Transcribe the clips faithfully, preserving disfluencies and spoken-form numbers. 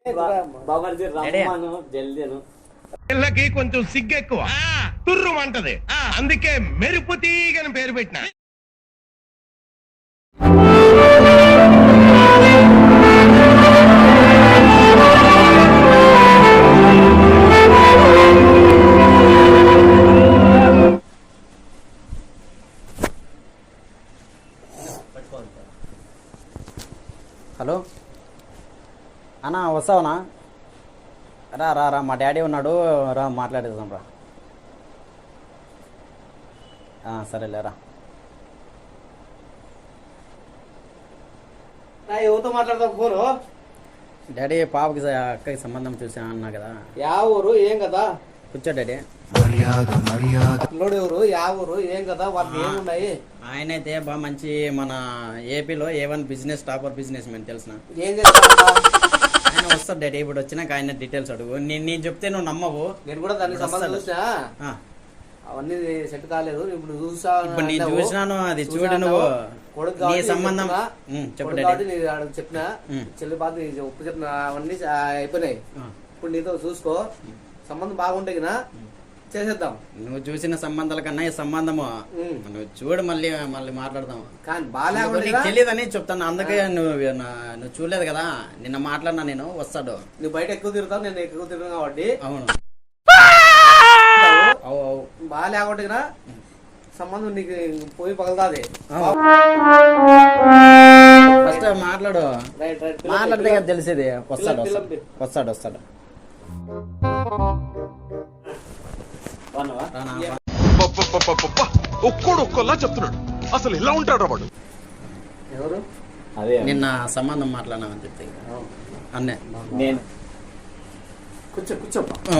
పిల్లకి కొంచెం సిగ్గు ఎక్కువ, తుర్రు అంటది, అందుకే మెరుపు తీగని పేరు పెట్టిన. హలో అన్నా, వస్తావునా? రా రా రా మా డాడీ ఉన్నాడు, రా మాట్లాడేద్దాం రా. సరేలేరా. ఎవరితో మాట్లాడతావు ఫోను? డాడీ పాపకి అక్కకి సంబంధం చూసా అన్నా కదా. యా ఊరు ఏం కదా? కూర్చో డాడీ. పిల్లోడు ఎవరు, యా ఊరు ఏం కదా, వాళ్ళకి ఏమున్నాయి? ఆయన అయితే బాగా మంచి మన ఏపీలో A one business topper businessman తెలిసిన. ఏం చేస్తా ఆయన వస్తాడు డాడీ. ఇప్పుడు వచ్చినాక ఆయన డీటెయిల్స్ అడుగు. నేను నేను చెప్తే నువ్వు నమ్మవు. నేను కూడా దానికి సంబంధం చూసా, అవన్నీ సెట్ కాలేదు. ఇప్పుడు చూసా, ఇప్పుడు నేను చూసినాను. అది చూడు నువ్వు. నీ సంబంధం చెప్పండి చెప్పిన చెల్లి బాధ ఉప్పు చెప్పిన అవన్నీ అయిపోయినాయి. ఇప్పుడు నీతో చూసుకో, సంబంధం బాగుంటే కదా చేసేద్దాం. నువ్వు చూసిన సంబంధాల కన్నా ఈ సంబంధము నువ్వు చూడు, మళ్ళీ మళ్ళీ మాట్లాడదాం. కానీ బాగా తెలియదని చెప్తాను, అందుకే నువ్వు నువ్వు చూడలేదు కదా. నిన్న మాట్లాడినా నేను. వస్తాడు. నువ్వు బయట ఎక్కువ తిరుగుతావు, నేను ఎక్కువ తిరుగుతాను కాబట్టి. అవును, బాగా లేకపోతే కదా సంబంధం నీకు పోయి పగలదాది. ఫస్ట్ మాట్లాడు, మాట్లాడితే కదా తెలిసేది. వస్తాడు వస్తాడు వస్తాడు ఒక్కోడు ఒక్కోలా చెప్తున్నాడు. అసలు ఎలా ఉంటాడు వాడు? ఎవరు? అదే నిన్న సంబంధం మాట్లాడినామని చెప్తే అన్నే. నేను కూర్చో కూర్చో.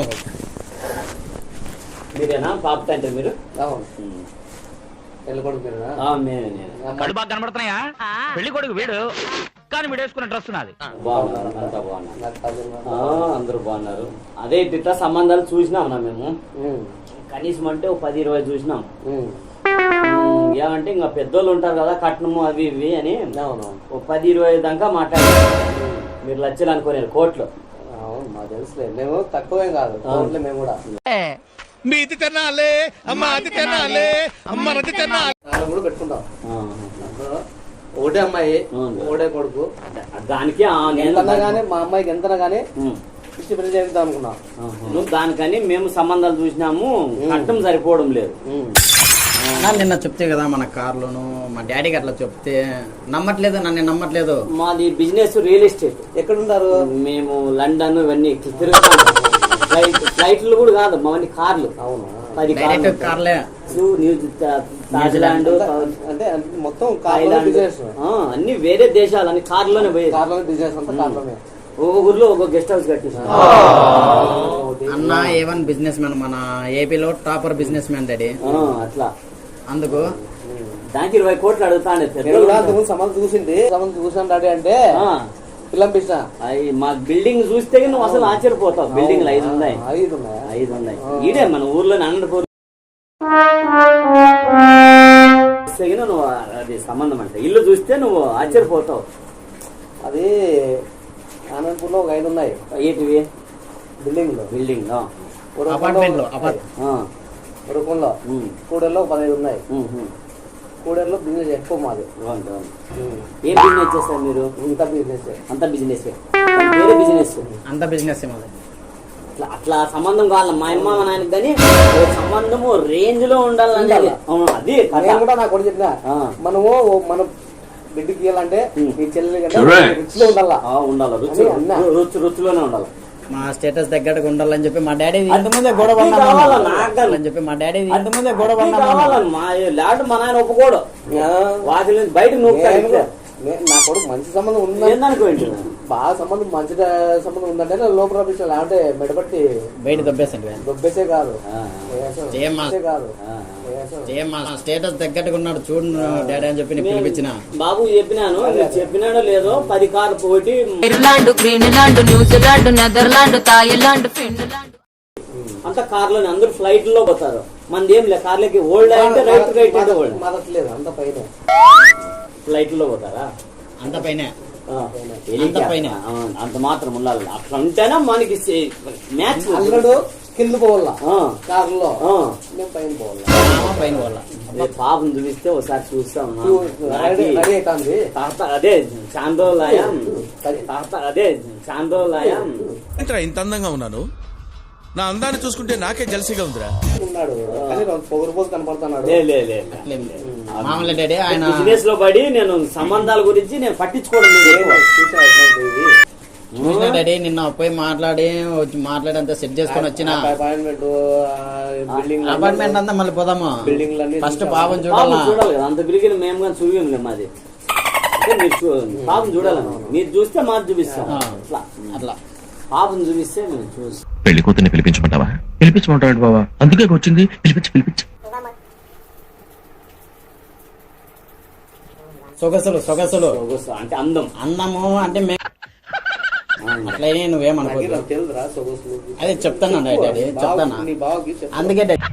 మీరేనా పాప తండ్రి? మీరు పెళ్లి కొడుకు మీరేనా? కడు బాగా కనబడుతున్నాయా? పెళ్లి కొడుకు వీడు, కానీ వీడు వేసుకున్న డ్రెస్ నాది. బాగున్నారు, అంతా బాగున్నారు, అందరూ బాగున్నారు. అదే ఇట్లా సంబంధాలు చూసినాం నా మేము. కనీసం అంటే ఒక పది ఇరవై చూసినాం. ఏమంటే ఇంకా పెద్దోళ్ళు ఉంటారు కదా, కట్నము అవి ఇవి అని ఒక పది ఇరవై దాకా మాట్లాడారు. మీరు లక్షలు అనుకోలేరు, కోట్లు. అవును, మాకు తెలుసులే. మేము తక్కువేం కాదు, కోట్లు మేము కూడా. మీది తినాలి, అమ్మ అది తినాలి, అమ్మ అది తినాలి కూడా పెట్టుకుంటాం. ఒకటే అమ్మాయి, ఒకటే కొడుకు. దానికి ఎంతనా గానీ మా అమ్మాయికి ఎంతనా గానీ ఇచ్చి పెళ్లి చేద్దాం అనుకున్నాం. నువ్వు దానికని మేము సంబంధాలు చూసినాము, కట్టం సరిపోవడం లేదు. నిన్న చెప్తే కదా మన కార్లోను, మా డాడీకి అట్లా చెప్తే నమ్మట్లేదు, నన్ను నమ్మట్లేదు. మాది బిజినెస్ రియల్ ఎస్టేట్. ఎక్కడున్నారు? మేము లండన్ ఇవన్నీ తిరుగుతాం. ఫ్లైట్ ఫ్లైట్లు కూడా కాదు మావన్నీ కార్లు. అవును, పది కార్లే. న్యూజిలాండ్ అంటే మొత్తం అన్ని వేరే దేశాలు అన్ని కార్లోనే పోయి. కార్లోనే బిజినెస్ అంతా కార్లోనే. ఒక ఊర్లో ఒక గెస్ట్ హౌస్ కట్టిస్తాం. అన్న ఏ వన్ బిజినెస్ మ్యాన్, మన ఏపీలో టాపర్ బిజినెస్ మ్యాన్ డాడీ. అట్లా అందుకు దానికి ఇరవై కోట్లు అడుగుతాను. సంబంధం చూసింది, సంబంధం చూసాను డాడీ అంటే పిల్లంపిస్తా. మా బిల్డింగ్ చూస్తే నువ్వు అసలు ఆశ్చర్యపోతావు. బిల్డింగ్లు ఐదు ఉన్నాయి. ఐదు ఉన్నాయి ఐదు ఉన్నాయి ఈడే మన ఊర్లో అనంతపూర్. నువ్వు అది సంబంధం అంటే ఇల్లు చూస్తే నువ్వు ఆశ్చర్యపోతావు. అది అనంతపూర్ లో ఒక ఐదు ఉన్నాయి. ఏంటివి? బిల్డింగ్ లో బిల్డింగ్ ఉరుకుంలో కూడల్లో పదహైదు ఉన్నాయి. కూడల్లో బిజినెస్ ఎక్కువ మాది. ఏం బిజినెస్ చేస్తారు మీరు? ఇంత బిజినెస్ అంత బిజినెస్ వేరే బిజినెస్ అంత బిజినెస్ అట్లా అట్లా సంబంధం కావాలి మా అమ్మ మా నాయనకి. కానీ సంబంధము రేంజ్ లో ఉండాలని అది కూడా నాకు కూడా చెప్పిన. మనము మనం బిడ్డకి ఇవ్వాలంటే ఈ చెల్లెలు రుచిలో ఉండాలా ఉండాలి రుచి రుచి రుచిలోనే ఉండాలి. మా స్టేటస్ దగ్గరకు ఉండాలని చెప్పి మా డాడీ ఇంతకుముందే గొడవ అని చెప్పి మా డాడీ ఇంతకుముందే గొడవ మా ల్యాడ్ మా నాయన ఒప్పుకోడు. వాటి నుంచి బయట నువ్వు నా కొడుకు మంచి సంబంధం ఉందనుకోండి, బాగా సంబంధం మంచి సంబంధం ఉందంటే లోపల లేకపోతే మెడపట్టి బయట దొబ్బేసండి. దొబ్బేసే కాదు కాదు స్టేటస్ దగ్గరగా ఉన్నాడు చూడు డాడీ అని చెప్పి పిలిపించిన. బాబు చెప్పినాను, చెప్పినాడో లేదో పది కార్లు పోటీ Ireland, Greenland, New Zealand, Netherland, Thailand, Finland అంత కార్లోనే అందరూ ఫ్లైట్ లో పోతారు. మనది ఏం లేదు, కార్లకి ఓల్డ్ అంటే రైట్ రైట్ అంటే ఓల్డ్ మదట్లేదు. అంత పైన ఫ్లైట్ లో పోతారా? అంత పైన అంత పైన. అంత మాత్రం ఉండాలి. అట్లా ఉంటేనే మనకి మ్యాచ్. అల్లుడు కింద పోవాలా కారులో, మేము పైన పోవాలా. మామ పైన వాళ్ళ పాపం చూపిస్తే ఒకసారి చూస్తాం. రెడీ రెడీ అవుతుంది. తాత అదే చాందోలాయం తాత అదే చాందోలాయం ఏంట్రా ఇంత అందంగా ఉన్నాను? నా అందాన్ని చూసుకుంటే నాకే జలసిగా ఉందిరా. ఉన్నాడు కానీ పొగరు పోగు కనపడుతున్నాడు. లే లే లే మామూలు డాడీ ఆయన బిజినెస్ లో పడి నేను సంబంధాల గురించి నేను పట్టించుకోవడం లేదు. చూసినా డాడీ నిన్న పోయి మాట్లాడి వచ్చి మాట్లాడి సెట్ చేసుకొని వచ్చిన అపాయింట్మెంట్ బిల్డింగ్ అపార్ట్మెంట్ అంతా మళ్ళీ పోదాము. బిల్డింగ్లన్నీ ఫస్ట్ పాపం పాపం చూడాలా. చూడాలి కదా, అంత బిరిగిన మేము కానీ చూపించలే మాది. అంటే మీరు చూ- పాపం చూడాలి. మీరు చూస్తే మాది చూపిస్తాం. ఆ. అట్లా అట్లా పాపం చూపిస్తే మేము చూస్తాం. పెళ్లి కూతుర్ని పిలిపించమంటావా? పిలిపించమంటాడు బావా, అందుకే వచ్చింది. పిలిపించి పిలిపించి సొగసులు సొగసులు చూస్తాం. అంటే అందం. అందము అంటే మే అట్లయినా నువ్వేమనుకోదు. నాకు తెలుదురా సొగసులు. అదే చెప్తాను డాడీ చెప్తానా. నీ బావకి చెప్పు. అందుకే డాడీ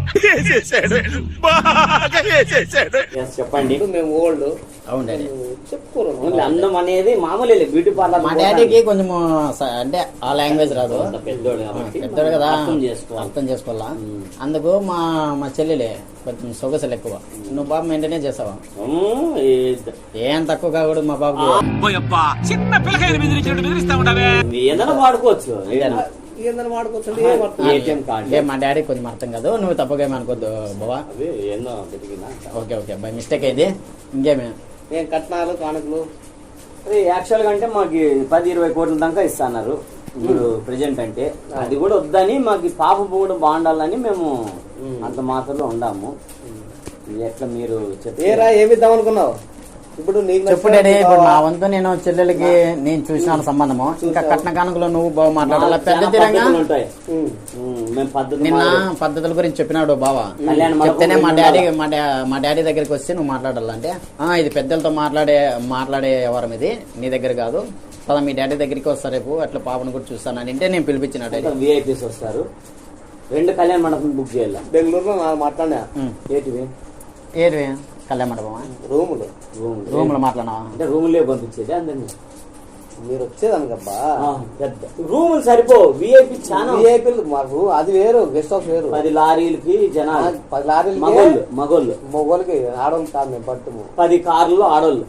Yes, చెప్పండి. ఇప్పుడు మేము ఓల్డ్ అవును డాడీ. చెప్పుకోరు. ఓన్లీ అందం అనేది మామూలే, బ్యూటీ పార్లర్. మా డాడీకి కొంచెం అంటే ఆ లాంగ్వేజ్ రాదు. పెద్దోడు కాబట్టి పెద్దోడు కదా, అర్థం చేసుకోవాలి. అర్థం చేసుకోవాలా. అందుకు మా మా చెల్లెలే కొంచెం సొగసులు ఎక్కువ. నువ్వు బాబు మెయింటైన్ చేసావా? ఉమ్, ఈ- ఏం తక్కువ కాకూడదు మా బాబు. చిన్న పిల్లకాయలు బెదిరించినట్టు బెదిరిస్తా ఉంటావే. ఏదైనా వాడుకోవచ్చు. ఏదైనా ఏందని వాడుకోవచ్చు. ఏటీఎం కార్డు ఏ మా డాడీ కొంచెం అర్థం కాదు. నువ్వు తప్పగా ఏమనుకోద్దు బాబా. అవి ఏందో వెతికినా. ఓకే ఓకే బై మిస్టేక్ అయింది. ఇంకేమే ఏం కట్నాలు కానుకలు అది యాక్చువల్ గా అంటే మాకు పది ఇరవై కోట్ల దాకా ఇస్తున్నారు ఇప్పుడు ప్రెజెంట్. అంటే అది కూడా వద్దని మాకు పాప కూడా బాగుండాలని మేము అంత మాత్రంలో ఉండాము. ఎట్లా మీరు చెప్పారా? ఏరా ఏమిద్దాం అనుకున్నావు? ఇప్పుడు నీకు చెప్పు డాడీ. ఇప్పుడు నా వంతు నేను చెల్లెలకి నేను చూసిన సంబంధము. ఇంకా కట్న కానుకలో నువ్వు బావ మాట్లాడాలా. పెద్ద తీరంగా ఉంటాయి. ఉమ్, మేము పద్ధతి నిన్న మాది. పద్ధతుల గురించి చెప్పినాడు బావా. కళ్యాణ మండపం చెప్తేనే మా గురించి డాడీ మా డా- మా డాడీ దగ్గరికి వస్తే నువ్వు మాట్లాడాలంటే ఆ ఇది పెద్దలతో మాట్లాడే మాట్లాడే వ్యవహారం ఇది, నీ దగ్గర కాదు. పద మీ డాడీ దగ్గరికి వస్తా రేపు, అట్లా పాపను కూడా చూస్తాను అంటే నేను పిలిపించిన డాడీ. విఐపీస్ వస్తారు. రెండు కళ్యాణ మండపం బుక్ చేయాలి. బెంగళూరులో నాకు మాట్లాడినా ఏంటివి? ఏది కళ్యాణ మండపమా? రూములు రూమ్ రూమ్ లో మాట్లాడినావా? అంటే రూములే పంపించేది అందరినీ. మీరు వచ్చేదనకబ్బా. పెద్ద రూములు సరిపో. విఐపి చాలా విఐపీలు మాకు అది వేరు, గెస్ట్ హౌస్ వేరు. పది లారీలకి జనాలు, పది లారీలు మగోళ్ళు మగోళ్ళు మొగోళ్ళకి ఆడవాళ్ళు కాదు మేము పట్టుము. పది కార్లు ఆడోళ్ళు.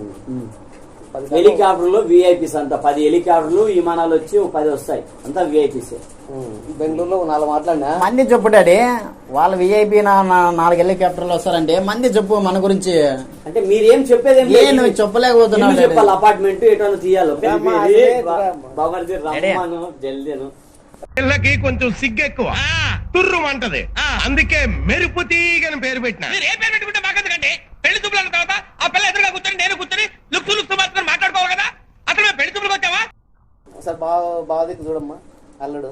పది హెలికాప్టర్లు విఐపీస్ అంతా పది హెలికాప్టర్లు విమానాలు వచ్చి ఒక పది వస్తాయి. అంతా విఐపీస్. బెంగళూరులో నాలుగు మాట్లాడినా. మంది చెప్పు డాడీ. వాళ్ళ విఐపి నాలుగు హెలికాప్టర్లు వస్తారంటే మంది చెప్పు మన గురించి. అంటే మీరేం చెప్పేది ఏం ఏ లేదు. నువ్వు చెప్పలేకపోతున్నావు ఇల్లు డాడీ. చెప్పాలి. అపార్ట్మెంట్ ఎటో తీయాలి. అమ్మా, అదే రా- బాబర్ది రమ్మను జల్దీను. పిల్లకి కొంచెం సిగ్గు ఎక్కువ, తుర్రుమంటది. అందుకే మెరుపు తీగని పేరు పెట్టిన. ఏ పేరు పెట్టుకుంటే మాకెందుకండి? పెళ్లి చూపుల తర్వాత ఆ పిల్ల ఎదురుగా కూర్చొని నేను కూర్చొని లుక్స్ లుక్స్ మాత్రం మాట్లాడుకోవాలి కదా. అసలు మేము పెళ్లి చూపులకు వచ్చావా? ఒకసారి బావ బావ దిక్కు చూడమ్మా అల్లుడు.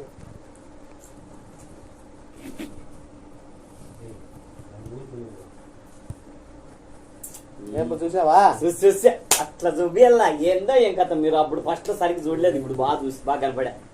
రేపు చూసావా? చూసి చూసి అట్లా చూపియాల. ఏందో ఏం కథ. మీరు అప్పుడు ఫస్ట్ సరిగ్గా చూడలేదు, ఇప్పుడు బాగా చూసి బాగా కనపడా.